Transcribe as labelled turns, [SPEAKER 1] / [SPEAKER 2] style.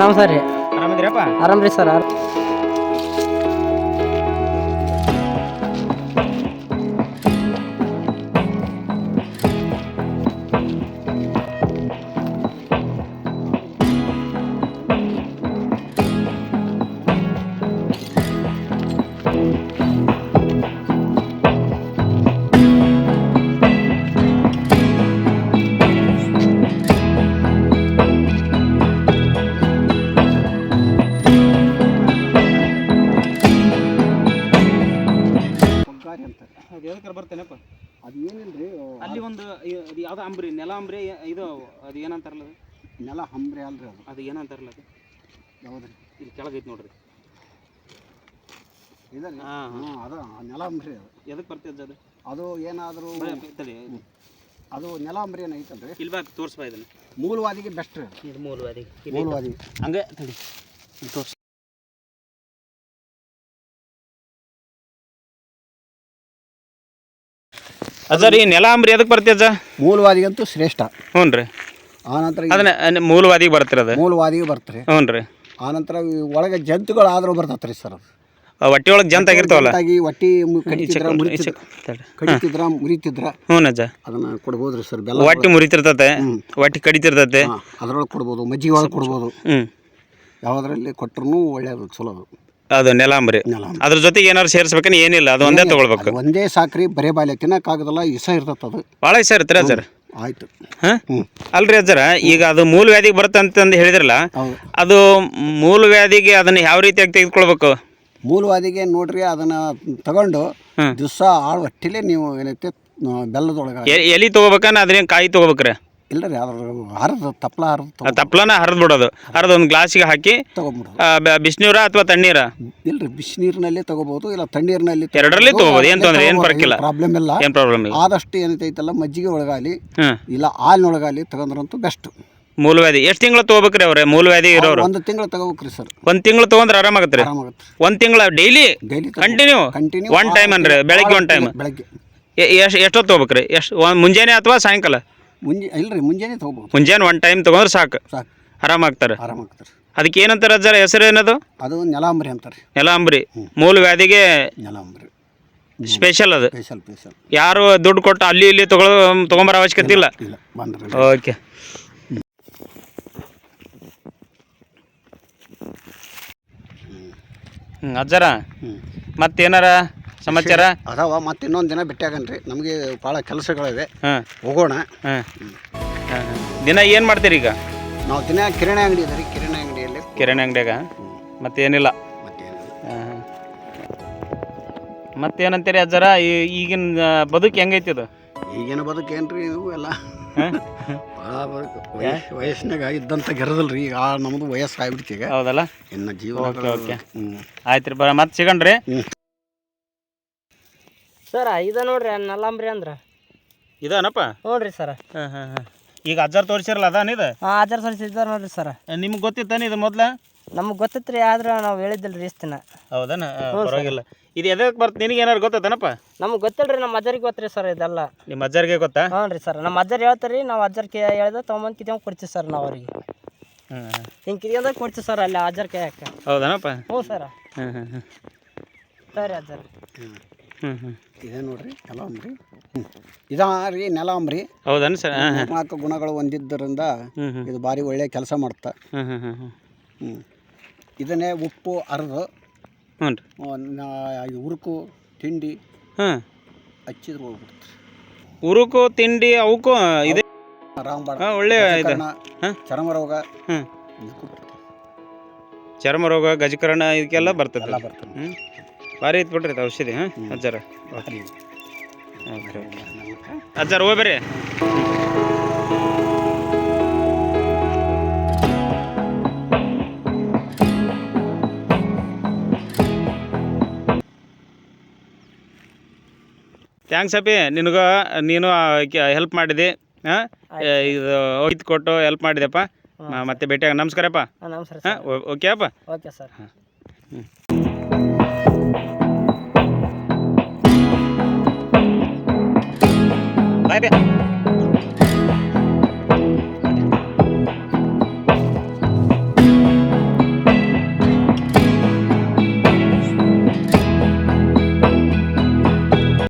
[SPEAKER 1] ನಮಸ್ಕಾರ ರೀ.
[SPEAKER 2] ಆರಾಮಿದ್ದೀರಪ್ಪ?
[SPEAKER 1] ಆರಾಮ್ ರೀ ಸರ್.
[SPEAKER 2] ಅದು ಎದಕ್ಕೆ ಬರ್ತೇನಪ್ಪ?
[SPEAKER 3] ಅದು ಏನಿಲ್ರಿ,
[SPEAKER 2] ಅಲ್ಲಿ ಒಂದು ಅದು ಯಾವ್ದು ಅಂಬ್ರಿ, ನೆಲ ಅಂಬ್ರಿ, ಇದು ಅದು ಏನಂತಾರಲ್ಲ ಅದು?
[SPEAKER 3] ನೆಲ ಹಂಬ್ರಿ ಅಲ್ರಿ.
[SPEAKER 2] ಅದು ಏನಂತಾರಲ್ಲ ಅದು?
[SPEAKER 3] ಯಾವ್ದ್ರಿ?
[SPEAKER 2] ಇಲ್ಲಿ ಕೆಳಗೈತೆ ನೋಡ್ರಿ.
[SPEAKER 3] ಇದರಿ ಅದು ನೆಲ ಅಂಬ್ರಿ. ಅದು
[SPEAKER 2] ಎದಕ್ಕೆ ಬರ್ತದೆ ಅದು?
[SPEAKER 3] ಅದು ಏನಾದರೂ ಅದು ನೆಲ ಅಂಬ್ರಿ ಏನು ಐತಲ್ರಿ,
[SPEAKER 2] ಇಲ್ಲಿ ಬಾ ತೋರಿಸ್ಬಾ ಇದನ್ನು.
[SPEAKER 3] ಮೂಲವಾದಿಗೆ ಬೆಸ್ಟ್ ರೀ.
[SPEAKER 2] ಇದು ಮೂಲವಾದಿ.
[SPEAKER 3] ಮೂಲವಾದಿ
[SPEAKER 2] ಹಂಗೆ ತಡಿ ತೋರಿಸ್. ಅಜ್ಜ ರೀ, ನೆಲ ಅಂಬ್ರಿ ಎದಕ್ಕೆ ಬರ್ತದೆ ಅಜ್ಜ?
[SPEAKER 3] ಮೂಲವಾದಿಗಂತೂ ಶ್ರೇಷ್ಠ.
[SPEAKER 2] ಹ್ಞೂ ರೀ.
[SPEAKER 3] ಆನಂತರ
[SPEAKER 2] ಅದನ್ನ ಮೂಲವಾದಿಗೆ ಬರ್ತಿರೋದು.
[SPEAKER 3] ಮೂಲವಾದಿಗೆ ಬರ್ತಾರೆ.
[SPEAKER 2] ಹ್ಞೂ ರೀ.
[SPEAKER 3] ಆನಂತರ ಒಳಗೆ ಜಂತುಗಳು ಆದರೂ ಬರ್ತೈತೆ ರೀ ಸರ್. ಅದು
[SPEAKER 2] ಹೊಟ್ಟೆ ಒಳಗೆ ಜಂತ ಆಗಿರ್ತಾವಲ್ಲ,
[SPEAKER 3] ಹೊಟ್ಟಿ ಕಡಿತಿದ್ರ ಮುರಿತಿದ್ರ
[SPEAKER 2] ಹ್ಞೂ ಅಜ್ಜ,
[SPEAKER 3] ಅದನ್ನ ಕೊಡ್ಬೋದು ರೀ ಸರ್. ಬೆಲ್ಲ
[SPEAKER 2] ಹೊಟ್ಟೆ ಮುರಿತಿರ್ತತೆ, ಹೊಟ್ಟೆ ಕಡಿತಿರ್ತತೆ,
[SPEAKER 3] ಅದ್ರೊಳಗೆ ಕೊಡ್ಬೋದು. ಮಜ್ಜಿಗೆ ಒಳಗೆ ಕೊಡ್ಬೋದು. ಯಾವುದರಲ್ಲಿ ಕೊಟ್ಟರು ಒಳ್ಳೆಯದು, ಚಲೋ.
[SPEAKER 2] ಅದು ನೆಲಾಂಬ್ರಿ. ಅದ್ರ ಜೊತೆಗೆ ಏನಾದ್ರು ಸೇರಿಸ್ಬೇಕೇನು? ಏನಿಲ್ಲ, ಅದು ಒಂದೇ ತೊಗೊಳ್ಬೇಕು.
[SPEAKER 3] ಒಂದೇ ಸಾಕ್ರಿ, ಬರೇ ಬಾಲ್ಯ ತಿನ್ನಕ್ಕಾಗದಲ್ಲ, ಇಸ ಇರ್ತದೆ. ಅದು ಭಾಳ
[SPEAKER 2] ಇಸ ಇರ್ತೀರ ಅಜ್ಜರ?
[SPEAKER 3] ಆಯ್ತು.
[SPEAKER 2] ಅಲ್ರಿ ಅಜ್ಜರ, ಈಗ ಅದು ಮೂಲವ್ಯಾಧಿಗೆ ಬರುತ್ತೆ ಅಂತಂದು ಹೇಳಿದ್ರಲ್ಲ, ಅದು ಮೂಲವ್ಯಾಧಿಗೆ ಅದನ್ನ ಯಾವ ರೀತಿಯಾಗಿ ತೆಗೆದುಕೊಳ್ಬೇಕು? ಮೂಲವಾದಿಗೆ
[SPEAKER 3] ನೋಡ್ರಿ, ಅದನ್ನ ತಗೊಂಡು ದಿವಸ ಆಳು ಹೊಟ್ಟಿಲೆ ನೀವು ಏನೈತೆ ಬೆಲ್ಲದೊಳಗೆ
[SPEAKER 2] ಎಲಿ ತೊಗೋಬೇಕನ್ನ, ಅದ್ರೇನು ಕಾಯಿ ತೊಗೋಬೇಕ್ರಿ?
[SPEAKER 3] ಇಲ್ಲ ರೀ, ಅದ್ರ ಹರಿದು
[SPEAKER 2] ತಪ್ಪಲನ ಹರಿದು ಬಿಡೋದು. ಹರಿದು ಒಂದು ಗ್ಲಾಸಿಗೆ ಹಾಕಿ
[SPEAKER 3] ತೊಗೊಂಡ್ಬಿಡೋದು.
[SPEAKER 2] ಬಿಸಿನೀರ ಅಥವಾ ತಣ್ಣೀರ?
[SPEAKER 3] ಇಲ್ರಿ, ಬಿಸಿನೀರಿನಲ್ಲಿ ತಗೋಬಹುದು, ಇಲ್ಲ ತಣ್ಣೀರಿನಲ್ಲಿ,
[SPEAKER 2] ಎರಡರಲ್ಲಿ ತಗೋಬಹುದು. ಏನು ತೊಂದರೆ, ಏನು ಪರಕಿಲ್ಲ,
[SPEAKER 3] ಪ್ರಾಬ್ಲಮ್ ಇಲ್ಲ.
[SPEAKER 2] ಏನು ಪ್ರಾಬ್ಲಮ್ ಇಲ್ಲ.
[SPEAKER 3] ಆದಷ್ಟು ಏನೈತೈತಲ್ಲ ಮಜ್ಜಿಗೆ ಒಳಗಾಲಿ ಇಲ್ಲ ಹಾಲಿನೊಳಗಾಲಿ ತಗೊಂಡ್ರಂತೂ ಬೆಸ್ಟ್.
[SPEAKER 2] ಮೂಲವ್ಯಾಧಿ ಎಷ್ಟು ತಿಂಗಳು ತೊಗೋಬೇಕ್ರಿ ಅವ್ರೆ? ಮೂಲವ್ಯಾಧಿ ಇರೋರು
[SPEAKER 3] 1 ತಿಂಗಳು ತಗೋಬೇಕ್ರಿ ಸರ್.
[SPEAKER 2] 1 ತಿಂಗಳು ತೊಗೊಂಡ್ರೆ ಆರಾಮಾಗತ್ತೆ ರೀ. 1 ತಿಂಗಳು ಡೈಲಿ ಕಂಟಿನ್ಯೂ 1 ಟೈಮ್ ಅಂದ್ರೆ ಬೆಳಗ್ಗೆ 1 ಟೈಮ್.
[SPEAKER 3] ಬೆಳಗ್ಗೆ
[SPEAKER 2] ಎಷ್ಟೊತ್ತು ತೊಗೋಬೇಕ್ರಿ? ಮುಂಜಾನೆ ಅಥವಾ ಸಾಯಂಕಾಲ?
[SPEAKER 3] ಇಲ್ರಿ, ಮುಂಜಾನೆ ತಗೋಬಹುದು.
[SPEAKER 2] ಮುಂಜಾನೆ 1 ಟೈಮ್ ತೊಗೊಂಡ್ರೆ ಸಾಕು, ಆರಾಮಾಗ್ತಾರೆ. ಅದಕ್ಕೆ ಏನಂತಾರೆ ಅಜ್ಜರ, ಹೆಸರು ಏನದು?
[SPEAKER 3] ಅದು ನೆಲಾಂಬ್ರಿ ಅಂತಾರೆ.
[SPEAKER 2] ನೆಲಾಂಬ್ರಿ ಮೂಲವ್ಯಾಧಿಗೆ
[SPEAKER 3] ನೆಲಾಂಬ್ರಿ
[SPEAKER 2] ಸ್ಪೆಷಲ್. ಅದು
[SPEAKER 3] ಸ್ಪೆಷಲ್.
[SPEAKER 2] ಯಾರು ದುಡ್ಡು ಕೊಟ್ಟು ಅಲ್ಲಿ ಇಲ್ಲಿ ತೊಗೊಂಬರೋ ಅವಶ್ಯಕತೆ ಇಲ್ಲ. ಓಕೆ. ಅಜ್ಜರ, ಮತ್ತೇನಾರ ಸಮಾಚಾರ
[SPEAKER 3] ಅದಾವ? ಮತ್ತೆ ಇನ್ನೊಂದು ದಿನ ಭೇಟಿಯಾಗನ್ರಿ, ನಮಗೆ ಭಾಳ ಕೆಲಸಗಳಿವೆ. ಹೋಗೋಣ.
[SPEAKER 2] ದಿನ ಏನು ಮಾಡ್ತೀರಿ ಈಗ?
[SPEAKER 3] ನಾವು ದಿನ ಕಿರಾಣಿ ಅಂಗಡಿ ಇದೆ ರೀ, ಕಿರಾಣಿ
[SPEAKER 2] ಅಂಗಡಿಯಾಗ ಮತ್ತೇನಿಲ್ಲ. ಮತ್ತೇನಂತೀರಿ ಅಜ್ಜರ? ಈಗಿನ ಬದುಕು ಹೆಂಗೈತಿ ಅದು?
[SPEAKER 3] ಈಗಿನ ಬದುಕು ಏನ್ರಿ, ಇವು ಎಲ್ಲ ವಯಸ್ಸಿನಾಗ ಇದ್ದಂತ ಗೆರದಲ್ರಿ. ಈಗ ನಮ್ದು ವಯಸ್ಸು ಆಗ್ಬಿಡ್ತಿ ಈಗ.
[SPEAKER 2] ಹೌದಲ್ಲ,
[SPEAKER 3] ಇನ್ನು ಜೀವನ.
[SPEAKER 2] ಓಕೆ. ಆಯ್ತು ರೀ, ಮತ್ತೆ ಸಿಗಣ್ರಿ
[SPEAKER 1] ಸರ. ಇದು ನೋಡ್ರಿ ನೆಲಾಂಬ್ರಿ ಅಂದ್ರೆ
[SPEAKER 2] ಇದಾನಪ್ಪ?
[SPEAKER 1] ನೋಡ್ರಿ ಸರ.
[SPEAKER 2] ಈಗ ಅಜ್ಜಾರ್ ತೋರಿಸಿರಲ್ಲ ಅದಾನಿದ?
[SPEAKER 1] ಅಜ್ಜಾರ್ ತೋರಿಸಿದ್ದಾರ ನೋಡ್ರಿ ಸರ.
[SPEAKER 2] ನಿಮ್ಗೆ ಗೊತ್ತಿತ್ತಾನೆ ಇದು ಮೊದ್ಲ?
[SPEAKER 1] ನಮ್ಗೆ ಗೊತ್ತಿತ್ತು ರೀ, ಆದ್ರೆ ನಾವು ಹೇಳಿದ್ದಿಲ್ಲ ಇಷ್ಟು ದಿನ.
[SPEAKER 2] ಹೌದಾನ? ಪರವಾಗಿಲ್ಲ. ಇದು ಎದಕ್ಕೆ ಬರ್ತ, ನಿನಗೆ ಏನಾರು ಗೊತ್ತೇನಪ್ಪ?
[SPEAKER 1] ನಮ್ಗೆ ಗೊತ್ತಿಲ್ಲ ರೀ, ನಮ್ಮ ಅಜ್ಜರಿಗೆ ಗೊತ್ತ್ರಿ ಸರ್ ಇದೆಲ್ಲ.
[SPEAKER 2] ನಿಮ್ಮ ಅಜ್ಜರಿಗೆ ಗೊತ್ತಾ?
[SPEAKER 1] ಹ್ಞೂ ರೀ ಸರ್, ನಮ್ಮ ಅಜ್ಜರು ಹೇಳ್ತಾರೆ ರೀ, ನಾವು ಅಜ್ಜರ್ಗೆ ಹೇಳ್ದೆ ತೊಗೊಂಬಂದು ಕಿತ್ಕೊಂಡು ಕೊಡ್ತೀವಿ ಸರ್ ನಾವು ಅವ್ರಿಗೆ. ಹಿಂಗೆ ಕಿತ್ಕೊಂಡಾಗ ಕೊಡ್ತೀವಿ ಸರ್ ಅಲ್ಲಿ ಅಜ್ಜರ ಕೈಯಾಕ.
[SPEAKER 2] ಹೌದಾನಪ್ಪ?
[SPEAKER 1] ಹ್ಞೂ ಸರ. ಸರಿ ಅಜ್ಜರ.
[SPEAKER 3] ಇದೇ ನೋಡ್ರಿ ನೆಲಾಂಬ್ರಿ. ಇದಾ ರೀ ನೆಲಾಂಬ್ರಿ.
[SPEAKER 2] ಹೌದನ್ ಸರ್?
[SPEAKER 3] 4 ಗುಣಗಳು ಹೊಂದಿದ್ದರಿಂದ ಇದು ಭಾರಿ ಒಳ್ಳೆ ಕೆಲಸ ಮಾಡುತ್ತೆ. ಇದನ್ನೇ ಉಪ್ಪು ಅರ್ದು ಉರುಕು ತಿಂಡಿ ಹಚ್ಚಿದ್ರು ಹೋಗ್ಬಿಡುತ್ತೆ.
[SPEAKER 2] ಉರುಕು ತಿಂಡಿ ಅವಕ್ಕೂ ಇದೆ. ಒಳ್ಳೆ ಚರ್ಮ ರೋಗ ಗಜಕರಣ ಇದಕ್ಕೆಲ್ಲ ಬರ್ತದೆ. ಭಾರಿ ಐತೆ ಬಿಡ್ರಿ ಔಷಧಿ. ಅಜ್ಜಾರ ಅಜ್ಜಾರ ಹೋಗ್ಬೇರಿ. ಥ್ಯಾಂಕ್ಸ್ ಅಪ್ಪಿ, ನೀನು ಹೆಲ್ಪ್ ಮಾಡಿದೆ. ಇದು ಹೋಗಿದ್ದು ಕೊಟ್ಟು ಹೆಲ್ಪ್ ಮಾಡಿದೆಪ್ಪ. ಮತ್ತೆ ಭೇಟಿಯಾಗ ನಮಸ್ಕಾರಪ್ಪ.
[SPEAKER 1] ನಮಸ್ಕಾರ.
[SPEAKER 2] ಓಕೆ ಅಪ್ಪ.
[SPEAKER 1] Okay sir.
[SPEAKER 2] ಬಾಯ್ ಬಾಯ್.